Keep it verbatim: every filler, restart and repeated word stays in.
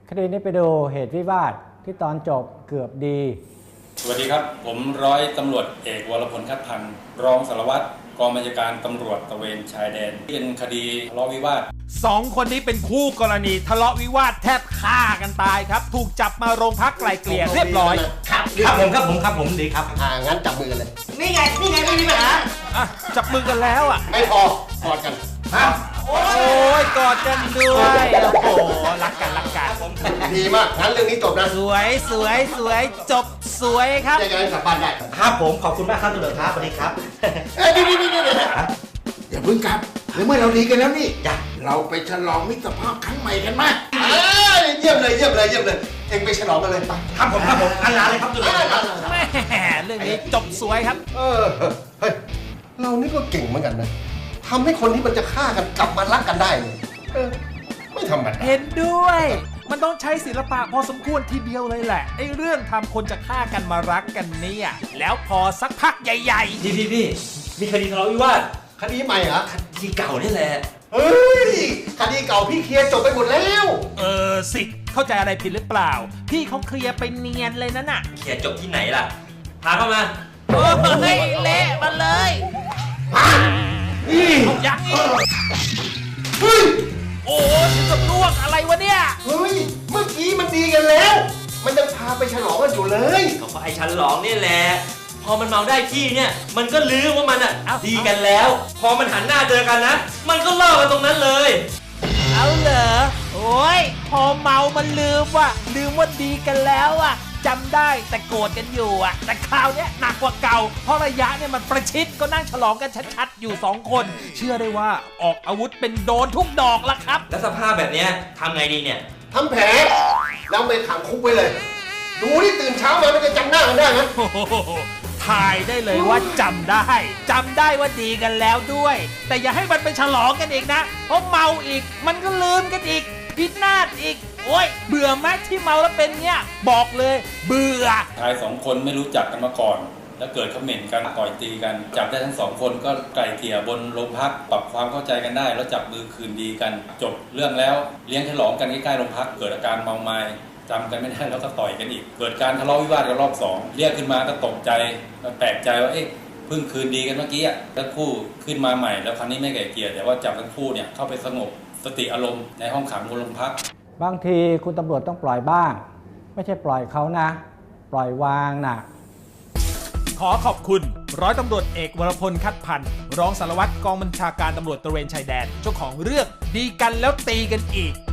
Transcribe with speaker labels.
Speaker 1: คดีนี้ไปดูเหตุวิวาทที่ตอนจบเกือบดี
Speaker 2: สวัสดีครับผมร้อยตำรวจเอกวรพลคัดพันธ์รองสารวัตรกองบัญชาการตำรวจตระเวนชายแดนเป็นคดีทะเลาะวิวาท
Speaker 3: สองคนนี้เป็นคู่กรณีทะเลาะวิวาทแทบฆ่ากันตายครับถูกจับมาโรงพักไกลเกลี่ยเรียบร้อย
Speaker 4: ครับครับผมครับผมครับผมดีครับอ่างั้นจับมือกันเลย
Speaker 5: นี่ไงนี่ไงไม่มีปัญหา
Speaker 3: อ่ะจับมือกันแล้วอ่ะ
Speaker 4: ไม่พอกอดกันฮะ
Speaker 3: โอ้ยกอดกันด้วยโอ้โหรักกันรักกัน
Speaker 4: ดีมากงั้นเรื่องนี้จบนะ
Speaker 3: สวยสวยสวยจบสวยครับ
Speaker 4: ยังไงกลับบ้านได้
Speaker 5: ครับผมขอบคุณมากครับตำรวจครับสวัสดีครับ
Speaker 4: เอ้ยนี่นี่นี่อย่าเพิ่งกลับในเมื่อเราดีกันแล้วนี่เราไปฉลองมิตรภาพครั้งใหม่กันไหมเอ้ยเยี่ยมเลยเยี่ยมเลยเยี่ยมเลยเอ็งไปฉลองกันเลยไป
Speaker 5: ครับผมครับผมอันลาเลยครับตำรวจครับ
Speaker 3: แม่เรื่องนี้จบสวยครับ
Speaker 4: เออเฮ้ยเรานี่ก็เก่งเหมือนกันนะทำให้คนที่มันจะฆ่ากันกลับมารักกันได้เออไม่ธรรมดา
Speaker 3: เห็นด้วยมันต้องใช้ศิลปะพอสมควรทีเดียวเลยแหละไอ้เรื่องทำคนจะฆ่ากันมารักกันเนี่ยแล้วพอสักพักใหญ่
Speaker 5: ๆพี่พี่พี่มีคดีทะเลาะวิวาท
Speaker 4: คดีใหม่เหรอ
Speaker 5: คดีเก่านี่แหละ
Speaker 4: เฮ้ยคดีเก่าพี่เคลียร์จบไปหมดแล้ว
Speaker 3: เออสิเข้าใจอะไรผิดหรือเปล่าพี่เขาเคลียร์ไปเนียนเลยนั่นน่ะ
Speaker 5: เคลียร์จบที่ไหนล่ะพาเข้ามา
Speaker 3: เฮ้ยเละมาเลย
Speaker 4: นี่
Speaker 3: ยังอีก
Speaker 4: เฮ้ย
Speaker 3: โอ้ยถึงกับล่วงอะไรวะเนี่ย
Speaker 4: เฮ้ยเมื่อกี้มันดีกันแล้วมันยังพาไปฉลองกันอยู่เลย
Speaker 5: ก็เพราะไอ้ฉลองนี่แหละพอมันเมาได้ที่เนี่ยมันก็ลืมว่ามันอ่ะดีกันแล้วพอมันหันหน้าเจอกันนะมันก็เล่ากันตรงนั้นเลย
Speaker 3: เอาเหรอโอ้ยพอเมามันลืมว่ะลืมว่าดีกันแล้วอ่ะจำได้แต่โกรธกันอยู่อ่ะแต่คราวนี้หนักกว่าเก่าเพราะระยะเนี่ยมันประชิดก็นั่งฉลองกันชัดๆอยู่สองคนเชื่อได้ว่าออกอาวุธเป็นโดนทุกดอกละครับ
Speaker 5: แล้วสภาพแบบนี้ทำไงดีเนี่ย
Speaker 4: ทำแผลแล้วไปขังคุกไปเลยดูที่ตื่นเช้ามามันจะจำหน้ากันได้ไหม
Speaker 3: ถ่ายได้เลยว่าจำได้จำได้ว่าดีกันแล้วด้วยแต่อย่าให้มันไปฉลองกันอีกนะเพราะเมาอีกมันก็ลืมกันอีกพินาศอีกโอ้ยเบื่อไหมที่เมาแล้วเป็นเนี้ยบอกเลยเบื่อ
Speaker 2: ชายสองคนไม่รู้จักกันมาก่อนแล้วเกิดเขม่นกันต่อยตีกันจับได้ทั้งสองคนก็ไกล่เกลี่ยบนโรงพักปรับความเข้าใจกันได้แล้วจับมือคืนดีกันจบเรื่องแล้วเลี้ยงฉลองกันใกล้ๆโรงพักเกิดอาการเมาไม้จำกันไม่ได้แล้วก็ต่อยกันอีกเกิดการทะเลาะวิวาทกันรอบสองเรียกขึ้นมาก็ตกใจแปลกใจว่าเอ๊ะเพิ่งคืนดีกันเมื่อกี้อ่ะทั้งคู่ขึ้นมาใหม่แล้วครั้งนี้ไม่ไกล่เกลี่ยแต่ว่าจับทั้งคู่เนี่ยเข้าไปสงบสติอารมณ์ในห้องขังบนโรงพัก
Speaker 1: บางทีคุณตำรวจต้องปล่อยบ้างไม่ใช่ปล่อยเขานะปล่อยวางนะ
Speaker 3: ขอขอบคุณร้อยตำรวจเอกวรพลคัดพันธ์รองสารวัตรกองบัญชาการตำรวจตระเวนชายแดนเจ้าของเรื่องดีกันแล้วตีกันอีก